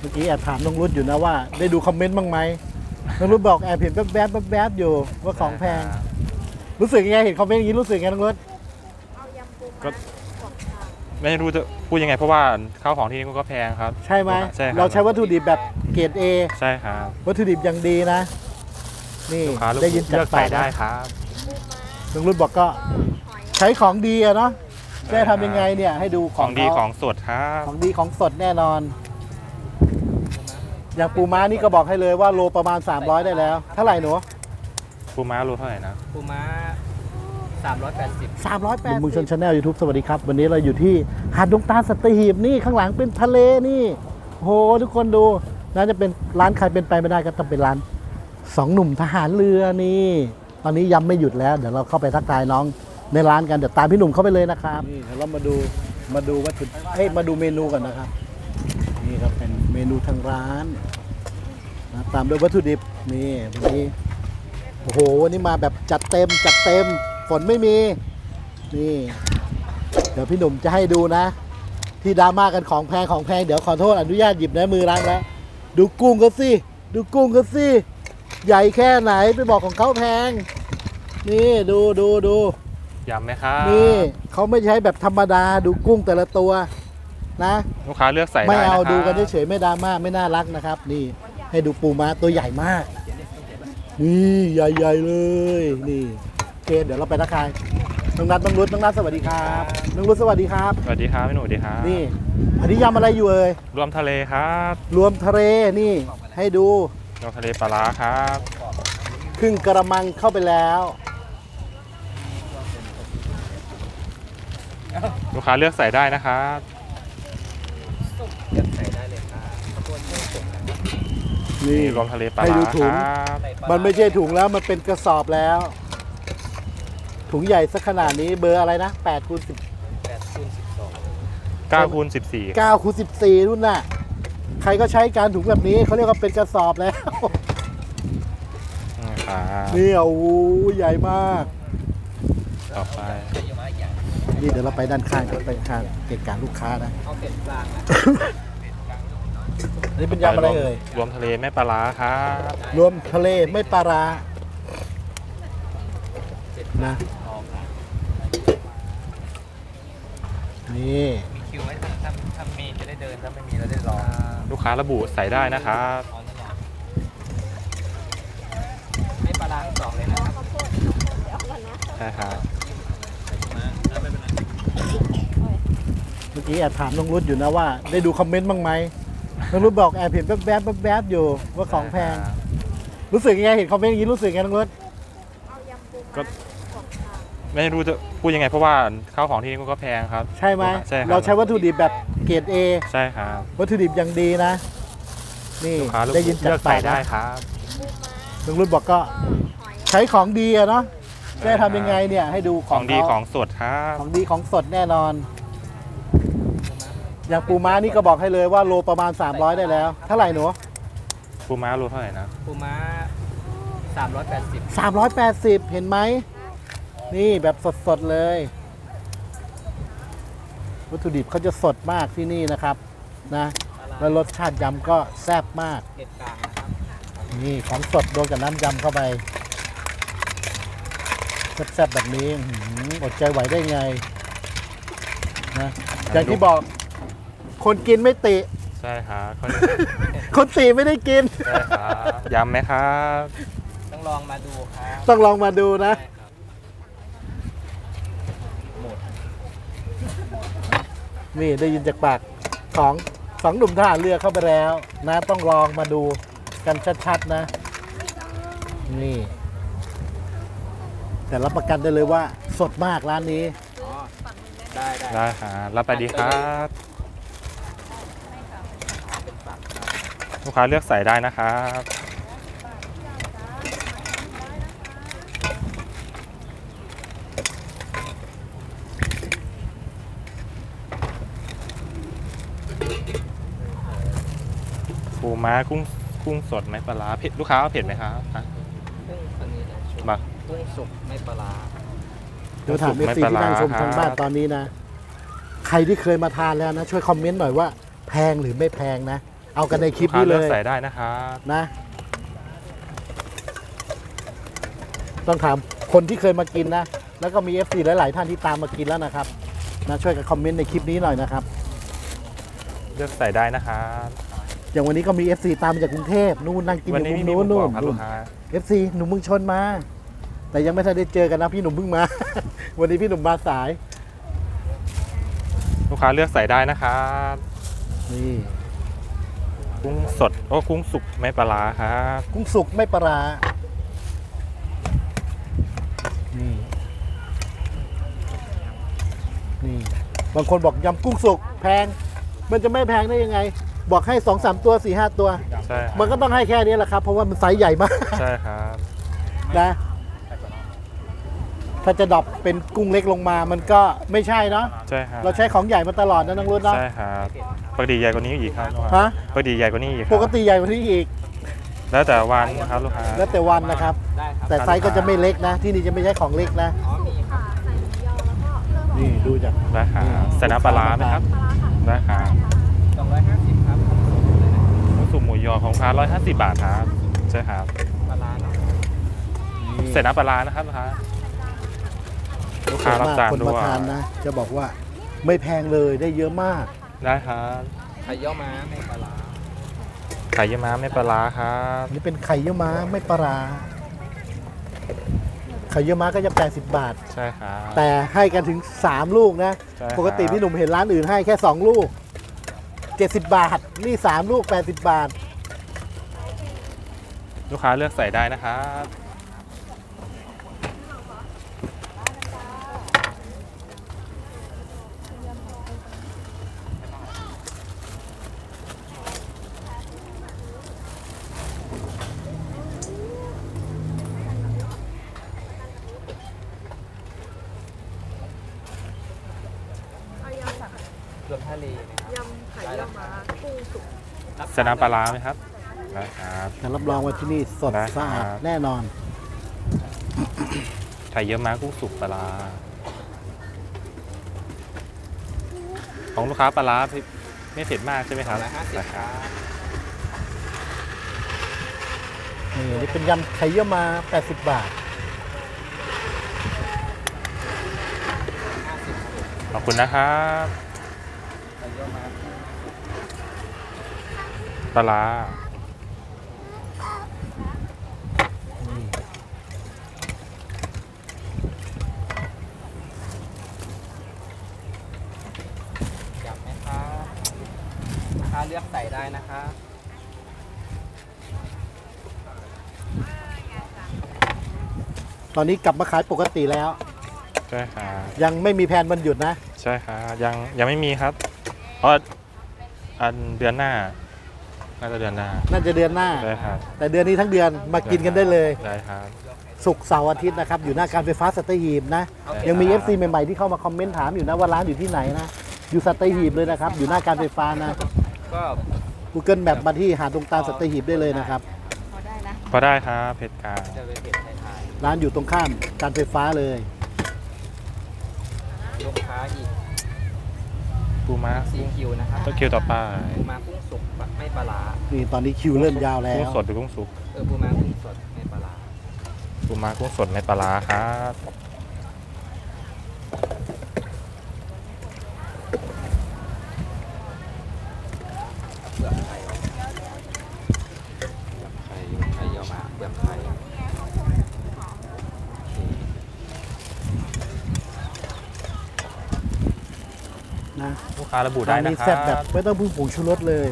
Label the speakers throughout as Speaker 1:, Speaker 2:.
Speaker 1: มื่อกี้แอบถามน้องรุดอยู่นะว่าได้ดูคอมเมนต์บ้างไหมน้องรุดบอกแอบเห็นแวบๆอยู่ว่าของแพงรู้สึกยังไงเห็นคอมเมนต์อย่างนี้รู้สึกยังไงน้องรุด
Speaker 2: ก็ไม่รู้จะพูดยังไงเพราะว่าข้าวของที่นี่ก็แพงครับ
Speaker 1: ใช่ไหม
Speaker 2: ใช่ครับ
Speaker 1: เราใช้วัตถุดิบแบบเกรด A
Speaker 2: ใช่ครับ
Speaker 1: วัตถุดิบอย่างดีนะนี่ได้ยินจากปาก
Speaker 2: ได้ครับ
Speaker 1: น้องรุดบอกก็ใช้ของดีอะเนาะได้ทำยังไงเนี่ยให้ดู
Speaker 2: ของดีของสดครับ
Speaker 1: ของดีของสดแน่นอนอย่างปูม้านี่ก็บอกให้เลยว่าโลประมาณ300ได้แล้วเท่าไหร่หนู
Speaker 2: ปูม้าโลเท่าไหร่นะ
Speaker 3: ปูม้า
Speaker 1: 380มุงชนชาแนล YouTube สวัสดีครับวันนี้เราอยู่ที่หาดดงตาลสัตหีบนี่ข้างหลังเป็นทะเลนี่โหทุกคนดูน่าจะเป็นร้านใครเป็นไปไม่ได้ก็ต้องเป็นร้าน2หนุ่มทหารเรือนี่ตอนนี้ยำไม่หยุดแล้วเดี๋ยวเราเข้าไปทักทายน้องในร้านกันเดี๋ยวตามพี่หนุ่มเข้าไปเลยนะครับนี่เดี๋ยวเรามาดูวัตถุมาดูเมนูก่อนนะครับนี่ครับเป็นเมนูทางร้านนะตามด้วยวัตถุดิบนี่วันนี้โอ้โหวันนี้มาแบบจัดเต็มฝนไม่มีนี่เดี๋ยวพี่หนุ่มจะให้ดูนะที่ดราม่ากันของแพงเดี๋ยวขอโทษอนุญาตหยิบในมือร้านแล้วดูกุ้งก็สิใหญ่แค่ไหนไปบอกของเขาแพงนี่ดู
Speaker 2: ยำไหมครับ
Speaker 1: นี่เขาไม่ใช้แบบธรรมดาดูกุ้งแต่ละตัวนะ
Speaker 2: ลูกค้าเลือกใส่ได้
Speaker 1: ไม่เอาดูกันเฉยๆไม่ดราม่าไม่น่ารักนะครับนี่ให้ดูปูม้าตัวใหญ่มากนี่ใหญ่ๆเลยนี่โอเคเดี๋ยวเราไปทักทายน้องนัทน้องรุดสวัสดีครับน้องรุดสวัสดีครับ
Speaker 2: สวัสดีครับพี่หนุ่มสวัสดีครับ
Speaker 1: นี่อันนี้ยำอะไรอยู่เอ่ย
Speaker 2: รวมทะเลครับ
Speaker 1: รวมทะเลนี่ให้ดู
Speaker 2: รวมทะเลปลาร้าครับ
Speaker 1: ครึ่งกระมังเข้าไปแล้ว
Speaker 2: ลูกค้าเลือกใส่ได้นะครับ
Speaker 3: เลือกใส่ได้เลยครับขบวนเครื่องสุก
Speaker 2: นี่รวมทะเลปลาร้าครับ
Speaker 1: มันไม่ใช่ถุงแล้วมันเป็นกระสอบแล้วถุงใหญ่สักขนาดนี้เบอร์อะไรนะ8 คูณ
Speaker 2: 9 คูณ 14
Speaker 1: 9 คูณ 14รุ่นน่ะใครก็ใช้การถุงแบบนี้เขาเรียกว่าเป็นกระสอบแล้วนี่โอ้โหใหญ่มาก
Speaker 2: ต่อไป
Speaker 1: นี่เดี๋ยวเราไปด้านข้างกันไปข้างเกะกะลูกค้านะ
Speaker 3: เอาเป็ดกลางนะ
Speaker 1: อันนี้เป็นยำอะไรเอ่ย
Speaker 2: รวมทะเลไม่ปลาร้าครับ
Speaker 1: รวมทะเลไม่ปลาร้านะนี่
Speaker 3: มีคิวไว้ถ้ามีจะได้เดินถ้าไม่มีเราได้รอ
Speaker 2: ลูกค้าระบุใส่ได้นะครับ
Speaker 3: ไม่ปลาร้าทั้งสองเลยนะครับ
Speaker 2: ใช่ครับ
Speaker 1: เมื่อกี้แอบถามน้องรุดอยู่นะว่าได้ดูคอมเมนต์บ้างไหมน้องรุดบอกแอบเห็นแวบอยู่ว่าของแพงรู้สึกยังไงเห็นคอมเมนต์อย่างนี้รู้สึกยังไงน้องรุด
Speaker 2: ก็ไม่รู้จะพูดยังไงเพราะว่าข้าวของที่นี่ก็แพงครับ
Speaker 1: ใช่ไหม
Speaker 2: ใช่
Speaker 1: เราใช้วัตถุดิบแบบเกรด A
Speaker 2: ใช่ครับ
Speaker 1: วัตถุดิบอย่างดีนะนี่ได้ยินจากปาก
Speaker 2: ได้ครับ
Speaker 1: น้องรุดบอกก็ใช้ของดีอะเนาะได้ทำยังไงเนี่ยให้ดู
Speaker 2: ของดีของสดครับ
Speaker 1: ของดีของสดแน่นอนอย่างปูม้านี่ก็บอกให้เลยว่าโลประมาณ300ได้แล้วเท่าไหร่หนู
Speaker 2: ปูม้าโลเท่าไหร่นะ
Speaker 3: ปูม้า
Speaker 1: 380เห็นไหมนี่แบบสดๆเลยวัตถุดิบเขาจะสดมากที่นี่นะครับนะแล้วรสชาติยำก็แซ่บมาก
Speaker 3: เป็ดกลางนะครับ
Speaker 1: นี่ของสดโดนกับน้ำยำเข้าไปแซ่บๆแบบนี้อดใจไหวได้ไงนะอย่างที่บอกคนกินไม่ติ
Speaker 2: ใช่ครับ
Speaker 1: คนติไม่ได้กิน
Speaker 2: ใช่ครับยำไหมครับ
Speaker 3: ต้องลองมาดูครับ
Speaker 1: ต้องลองมาดูนะนี่ได้ยินจากปากของสองหนุ่มทหารเรือเข้าไปแล้วนะต้องลองมาดูกันชัดๆนะนี่แต่รับประกันได้เลยว่าสดมากร้านนี้
Speaker 2: ได้ครับรับไปดีครับลูกค้าเลือกใส่ได้นะครับปูม้ากุ้งสดไหมปลาร้าเผ็ดลูกค้าเผ็ดไหมครับ
Speaker 3: กุ้งสุกไม่ปลาร้า
Speaker 1: เดี๋ยวถามเอฟซีที่นั่งชมทางบ้านตอนนี้นะใครที่เคยมาทานแล้วนะช่วยคอมเมนต์หน่อยว่าแพงหรือไม่แพงนะเอากันในคลิป
Speaker 2: ลูกค้า
Speaker 1: นี้เล
Speaker 2: เลือก
Speaker 1: ย
Speaker 2: ใส่ได้นะครับ
Speaker 1: นะ ต้องถามคนที่เคยมากินนะ แล้วก็มี FC หลาย ๆ ท่านที่ตามมากินแล้วนะครับนะช่วยกันคอมเมนต์ในคลิปนี้หน่อยนะครับ
Speaker 2: เลือกใส่ได้นะครับ
Speaker 1: อย่างวันนี้ก็มี FC ตามมาจากกรุงเทพนู่นนั่งกินอ
Speaker 2: วัน
Speaker 1: ยู่
Speaker 2: นี้
Speaker 1: มุ
Speaker 2: ไม่
Speaker 1: ม
Speaker 2: มี
Speaker 1: นู้น
Speaker 2: หมูกรอบครับ
Speaker 1: นู่
Speaker 2: ลู
Speaker 1: น
Speaker 2: กค้า
Speaker 1: FC หนุ่มเมึงชนมา แต่ยังไม่ทันได้เจอกันนะพี่หนุ่มเพิ่งมา วันนี้พี่หนุ่มมาสาย
Speaker 2: ลูกค้าเลือกใส่ได้นะครับ
Speaker 1: นี่
Speaker 2: กุ้งสดโอ้กุ้งสุกไม่ปลาร้าครับ
Speaker 1: กุ้งสุกไม่ปลาร้านี่นี่บางคนบอกยำกุ้งสุกแพง มันจะไม่แพงได้ยังไง บอกให้ 2-3 ตัว 4-5 ตัว
Speaker 2: ใช่ครับ
Speaker 1: มันก็ต้องให้แค่นี้แหละครับ เพราะว่ามันไซส์ใหญ่มาก
Speaker 2: ใช่ครับ
Speaker 1: นะถ้าจะดรอปเป็นกุ้งเล็กลงมามันก็ไม่ใช่เนาะ
Speaker 2: ใช่ครับ
Speaker 1: เราใช้ของใหญ่มาตลอดนะน้องรุ่นเนาะ
Speaker 2: ใช่ครับปกติใหญ่กว่านี้อีกครับลูก
Speaker 1: ฮะ
Speaker 2: ค้าปกติใหญ่กว่านี้อีกครับ
Speaker 1: ปกติใหญ่กว่านี้อีก
Speaker 2: แล้วแต่วันครับลูกค้า
Speaker 1: แล้วแต่วันนะครับ
Speaker 3: ได้ครับ
Speaker 1: แต่ไซส์ก็จะไม่เล็กนะ ที่นี่จะไม่ใช่ของเล็กนะ
Speaker 3: อ๋อมีครับ
Speaker 1: นี่ดูจาก
Speaker 2: ได้ครับใส่น้ำปลาร้าไหมครับได้ครับ
Speaker 3: 250ครับผมส่งเลยนะ
Speaker 2: กุ้งสุกหมูยอของลูกค้า150 บาทครับใช่ครับ
Speaker 3: ปลาร้าเนาะ
Speaker 2: ใส่น้ำปลาร้านะครับลูกค้าลูกค้ารับจาน
Speaker 1: คน
Speaker 2: ด้ว
Speaker 1: มาย ทานนะ จะบอกว่าไม่แพงเลยได้เยอะมาก
Speaker 2: ได้ครับ
Speaker 3: ไข่เยี่ยวม้าไม่ปลาร้า
Speaker 2: ไข่เยี่ยวม้าไม่ปลาร้าครับ
Speaker 1: อันนี่เป็นไข่เยี่ยวม้าไม่ปลาร้าไข่เยี่ยวม้าก็จะ80 บาท
Speaker 2: ใช่ครับ
Speaker 1: แต่ให้กันถึง 3 ลูกนะ
Speaker 2: ใช่ครับ
Speaker 1: ปกติพี่หนุ่มเห็นร้านอื่นให้แค่ 2 ลูก 70 บาท นี่ 3 ลูก 80 บาท
Speaker 2: ลูกค้าเลือกใส่ได้นะครับ
Speaker 3: รวมทะเลนะครับ
Speaker 4: ยำไข่เยี่ยวม้ากุ้งสุก
Speaker 2: ใส่น้ำปลาร้าไหมครับได้ครับ
Speaker 1: แต่รับรองว่าที่นี่สด
Speaker 2: ได้ครับ
Speaker 1: สะอาดแน่นอน
Speaker 2: ไข่เยี่ยวม้ากุ้งสุกปลาร้าของลูกค้าปลาร้าไม่เผ็ดมากใช่ไหมครับ
Speaker 3: 250
Speaker 2: ได้
Speaker 3: ค
Speaker 2: ค
Speaker 3: รั
Speaker 2: รับบ
Speaker 1: นี่เป็นยำไข่เยี่ยวม้า80 บาท
Speaker 2: ขอบคุณนะครับ
Speaker 3: ไข่เยี่ยวม้า
Speaker 2: ปลาร้า
Speaker 3: อยากไหมครับลูกค้าเลือกใส่ได้นะครับ
Speaker 1: ตอนนี้กลับมาขายปกติแล้ว
Speaker 2: ใช่ครับ
Speaker 1: ยังไม่มีแผนวันหยุดนะ
Speaker 2: ใช่ครับยังไม่มีครับ เพราะอันเดือนหน้าน่าจะเดือนหน้า
Speaker 1: น่าจะเดือนหน้า
Speaker 2: ได้ครับ
Speaker 1: แต่เดือนนี้ทั้งเดือนมากินกันได้เลย
Speaker 2: ได้ครับ
Speaker 1: ศุกร์เสาร์อาทิตย์นะครับ อยู่หน้าการไฟฟ้าสัตหีบนะ
Speaker 3: โอเค
Speaker 1: ยังมี
Speaker 2: ครับ
Speaker 1: FC ใหม่ๆที่เข้ามาคอมเมนต์ถามอยู่นะว่าร้านอยู่ที่ไหนนะ อยู่สัตหีบเลยนะครับ อยู่หน้าการไฟฟ้านะ
Speaker 3: ก็
Speaker 1: Google Map มาที่หาดดงตาลสัตหีบได้เลยนะครับ
Speaker 4: พอได้นะ
Speaker 2: พอได้ครับเผ็ดกลาง
Speaker 3: จะเป็นเผ็ดไทย
Speaker 1: ร้านอยู่ตรงข้ามการไฟฟ้าเลย
Speaker 3: ๆลูกค้าอีก
Speaker 2: ปูม้า
Speaker 3: 4 คิวนะครับ
Speaker 2: ต้องคิวต่อไป
Speaker 3: ปูม้ากุ้งสุกไม่ปลาร้า
Speaker 1: นี่ตอนนี้คิวเริ่มยาวแล้
Speaker 2: กุ้ง
Speaker 1: ว
Speaker 2: สดหรือกุ้งสุก
Speaker 3: ปูม้ากุ้งสดไม่ปลาร้า
Speaker 2: ปูม้ากุ้งสดในปลาร้าครับ
Speaker 3: เปลือกไข่ไข่เยี่ยวม้าเปลือกไข่
Speaker 1: นะ
Speaker 2: ลูกค้าระบุได้
Speaker 1: ร้าน
Speaker 2: นะ
Speaker 1: นี้
Speaker 2: ครั
Speaker 1: แซ่บแบบ
Speaker 2: บ
Speaker 1: ไม่ต้องพึ่งผงชูรสเลย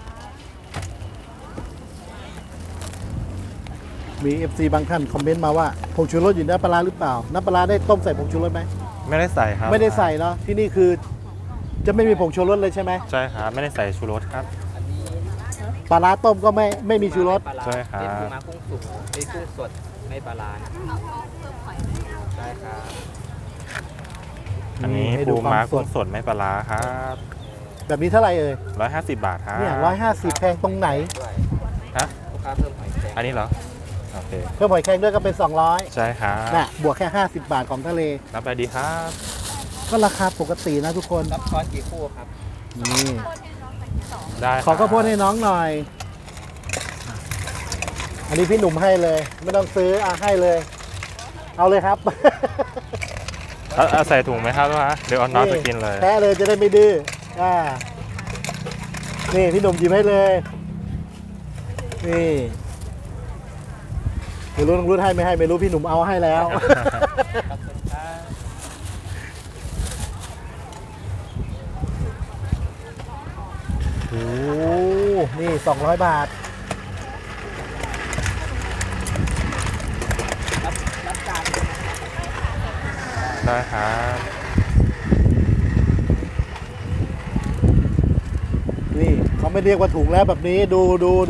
Speaker 1: มี FC บางท่านคอมเมนต์มาว่าผงชูรสอยู่ในน้ำปลาร้าหรือเปล่า น้ำปลาร้าได้ต้มใส่ผงชูรสไหม
Speaker 2: ไม่ได้ใส่ครับ
Speaker 1: ไม่ได้ใส่เนาะที่นี่คือจะไม่มีผงชูรสเลยใช่ไหม
Speaker 2: ใช่ครับไม่ได้ใส่ชูรสครับ
Speaker 3: อันนี้
Speaker 1: ปลาร้าต้มก็ไม่มีชูรส
Speaker 3: ปลาร้า
Speaker 2: ใช่ครับ
Speaker 3: เป็นปูม้ากุ้งสุกเป็นกุ้งสดไม่ปลาร้านะได้ครับ
Speaker 2: อันนี้
Speaker 1: ให้ดู
Speaker 2: ปู
Speaker 1: ควา
Speaker 2: ม้าม
Speaker 1: ส
Speaker 2: กุ้
Speaker 1: ด
Speaker 2: งสดไม่ปลาร้าครับ
Speaker 1: แบบนี้เท่าไหร่เอ่ย
Speaker 2: 150 บาทครับ
Speaker 1: เนี่ย150แพงตรงไหน
Speaker 3: ด้วย
Speaker 2: ฮะ
Speaker 3: ลูกค้าเพิ่มหอยแครง
Speaker 2: อันนี้เหรอโอเค
Speaker 1: เพิ่มหอยแครงด้วยก็เป็น 200
Speaker 2: ใช่ครับ
Speaker 1: น่ะบวกแค่ 50 บาทของทะเล
Speaker 2: รับไปดีครับ
Speaker 1: ก็ราคาปกตินะทุกคน
Speaker 3: รับช้อนกี่คู่ครับ
Speaker 1: นี่
Speaker 2: ได้
Speaker 1: ขอข้าวโพดให้น้องหน่อย อันนี้พี่หนุ่มให้เลย ไม่ต้องซื้อให้เลย เอาเลยครับ
Speaker 2: ใส่ถุงไหมครับลูกค้าเดี๋ยวเอาน้องจะกินเลย
Speaker 1: แท้เลยจะได้ไม่ดื้อนี่พี่หนุ่มหยิบให้เลย นี่ไม่รู้น้องรุ่นให้ไม่ให้ไม่รู้พี่หนุ่มเอาให้แล้ว
Speaker 3: ขอบคุณครับ
Speaker 1: โอ้นี่200 บาท
Speaker 3: รับจาน
Speaker 2: ได้ครับ
Speaker 1: นี่เขาไม่เรียกว่าถุงแล้วแบบนี้ดู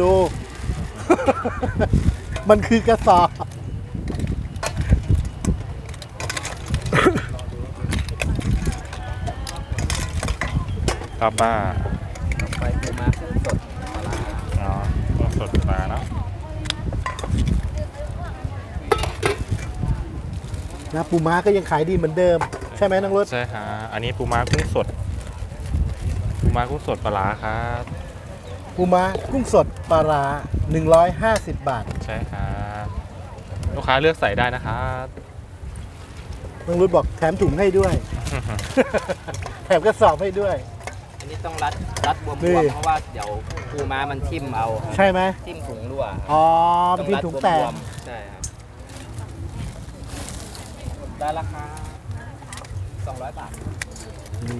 Speaker 1: มันคือกระสอบ
Speaker 2: ครับป้า
Speaker 3: ไปปูม้ากุ้งสดปลาร้า
Speaker 2: อ๋อต้องสดปลาเนาะ
Speaker 1: นะปูม้าก็ยังขายดีเหมือนเดิม ใช่ไหมน้องรถ
Speaker 2: ใช่ฮะอันนี้ปูม้ากุ้งสดปูม้ากุ้งสดปลาร้าครับ
Speaker 1: ปูม้ากุ้งสดปลาร้า150 บาท
Speaker 2: ใช่ครับลูกค้าเลือกใส่ได้นะครับ
Speaker 1: น้องรุดบอกแถมถุงให้ด้วย แถมกระสอบให้ด้วย
Speaker 3: อันนี้ต้องรัดบวม
Speaker 1: นี่
Speaker 3: ๆเพราะว่าเดี๋ยวปูม้ามันทิ่มเอา
Speaker 1: ใช่ไหม
Speaker 3: ทิ่มถุงรั่ว
Speaker 1: อ๋อเป็นที่ถุงแตก
Speaker 3: วมๆใช่ครับได้ราคา200 บาท
Speaker 1: นี่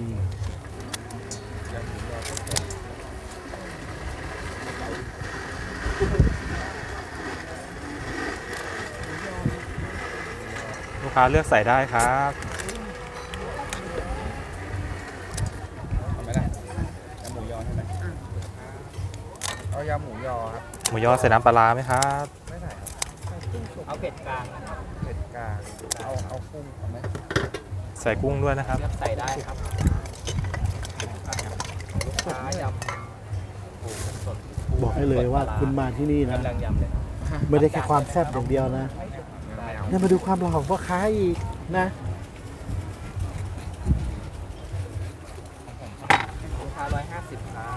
Speaker 2: ลูกค้าเลือกใส่ได้ครับ
Speaker 3: ทำไหมล่ะยำหมูยอใช่ไหมเอายำหมูยอครับ
Speaker 2: หมูยอใส่น้ำปลาร้าไหมครับ
Speaker 3: ไม่ใส่ครับเอาเผ็ดกลางนะครับเผ็ดกลางเอากุ้งเอาไหม
Speaker 2: ใส่กุ้งด้วยนะครับ
Speaker 3: เลือกใส่ได้ครับลูกค้ายำปูสด
Speaker 1: บอกให้เลยว่าคุณมาที่นี่นะ
Speaker 3: กำลังยำเลยครับ
Speaker 1: ไม่ได้แค่ความแซ่บอย่างเดียวนะเนี่ยมาดูความหล่อของพ่อค้าอีกนะ
Speaker 3: ลูกค้า150ครับ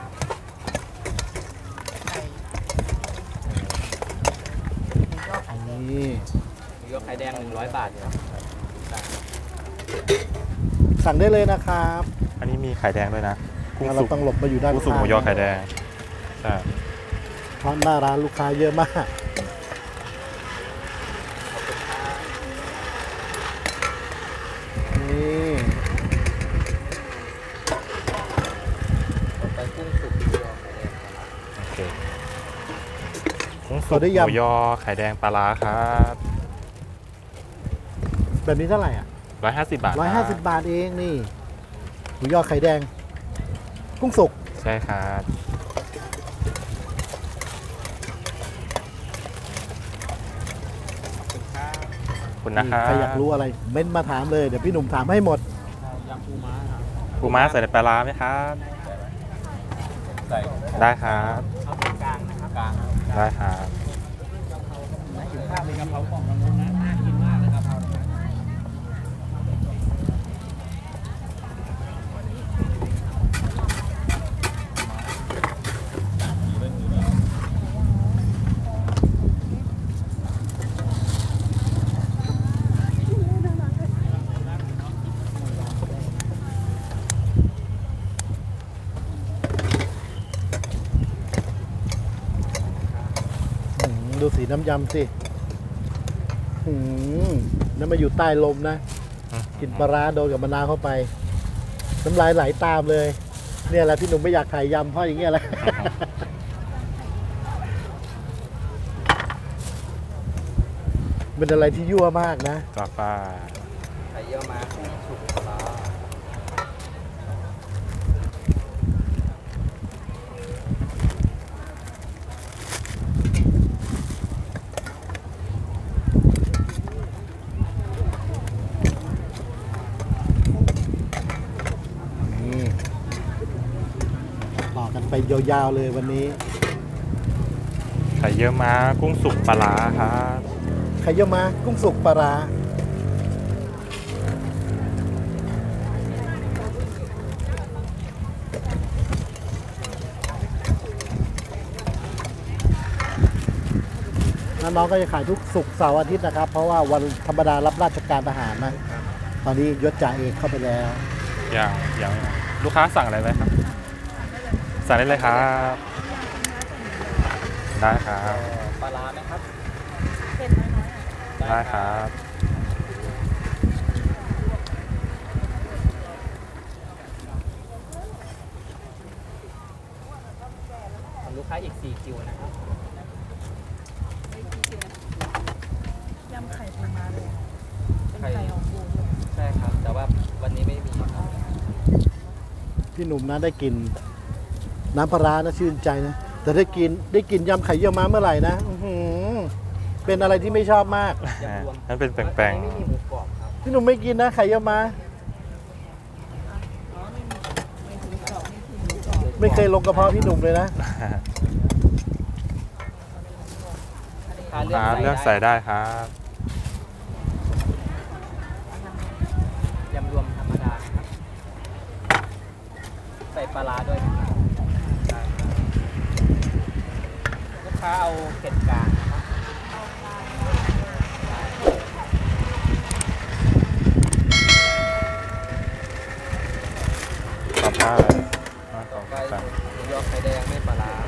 Speaker 1: นี่
Speaker 3: หมูยอไข่แดง100 บาทครับ
Speaker 1: สั่งได้เลยนะครับ
Speaker 2: อันนี้มีไข่แดงด้วยนะกุ้ง
Speaker 1: เรา
Speaker 2: สุก
Speaker 1: ต้องหลบมาอยู่ด้าน
Speaker 2: กุ้งสุก
Speaker 1: ข้าง
Speaker 2: หมูยอไข่แดงใช่
Speaker 1: เพราะหน้าร้านลูกค้าเยอะมาก นี่
Speaker 3: ไปกุ้งสุกหมูยอไข่แดงครับ
Speaker 2: โอเคกุ้งสุกหมูยอไข่แดงปลาร้าครับ
Speaker 1: แบบนี้เท่าไหร่อ่ะ
Speaker 2: 150 บาท
Speaker 1: 150 บาทเองนี่หมูยอไข่แดง กุ้งสุก
Speaker 2: ใช่ครับ ขอบคุณนะครับ
Speaker 1: ใครอยากรู้อะไรเม้นมาถามเลย เดี๋ยวพี่หนุ่มถามให้หมด
Speaker 3: ยำปูม้าครับ
Speaker 2: ปูม้าใส่ในปลาร้าไหมครับ
Speaker 3: ใส่
Speaker 2: ได้ครับ
Speaker 3: เอาเผ็ดกลางนะครับกลาง
Speaker 2: ได้ครับ
Speaker 3: น่ากินมากเลยกะเพราของเรานะน่ากินมากเลยกะเพราเนี่ย
Speaker 1: ดูสีน้ำยำสินั่นมาอยู่ใต้ลมนะ กินปลาร้าโดนกับมะนาวเข้าไป น้ำลายไหลตามเลย เนี่ยแหละพี่หนุ่มไม่อยากขายยำเพราะอย่างเงี้ยแหละ เป็นอะไรที่ยั่วมากนะ
Speaker 2: จ้าป้า
Speaker 3: ไข่เยี่ยวม้ากุ้งสุกปลาร้า
Speaker 1: นี่ต่อกันไปยาวๆเลยวันนี้
Speaker 2: ไข่เยี่ยวม้ากุ้งสุกปลาร้าครับ
Speaker 1: ไข่เยี่ยวม้ากุ้งสุกปลาร้าน้องก็จะขายทุกศุกร์เสาร์อาทิตย์นะครับ เพราะว่าวันธรรมดารับราชการทหารนะ ตอนนี้ยศจ่าเอกเข้าไปแล้ว
Speaker 2: อย่างลูกค้าสั่งอะไรไหมครับ สั่งได้เลยครับ ได้ครับ
Speaker 3: ปลาร้าไหมครับ
Speaker 4: เป็นน้อยๆอ่ะ
Speaker 2: ได้ครับ
Speaker 3: ของลูกค้าอีก4คิวนะครับ
Speaker 4: ยำไข่ปูม้าเลยเป็นไข่ของปูด้วย
Speaker 3: ใช่ครับ แต่ว่าวันนี้ไม่มีครับ
Speaker 1: พี่หนุ่มนะได้กินน้ำปลาร้านะชื่นใจนะ แต่ได้กินยำไข่เยี่ยวม้าเมื่อไหร่นะอื้อหือเป็นอะไรที่ไม่ชอบมาก
Speaker 3: ยำรวม
Speaker 2: นั่นเป็นแปลง
Speaker 3: วันนี้ไม่มีหมูกรอบครับ
Speaker 1: พี่หนุ่มไม่กินนะไข่เยี่ยวม้า
Speaker 4: อ๋อไม่ถึงกรอบไม่ถึงหมูกรอบ
Speaker 1: ไม่เคยลงกระเพาะพี่หนุ่มเลยนะ
Speaker 2: ๆร้านเลือกใส่ได้ครับ
Speaker 3: ยำรวมธรรมดาครับ ใส่ปลาร้าด้วยนะครับได้ครับลูกค้าเอาเผ็ดกลางนะครับ
Speaker 2: ต่อไป
Speaker 3: ต่อไปหมูยอไข่แดงไม่ปลาร้า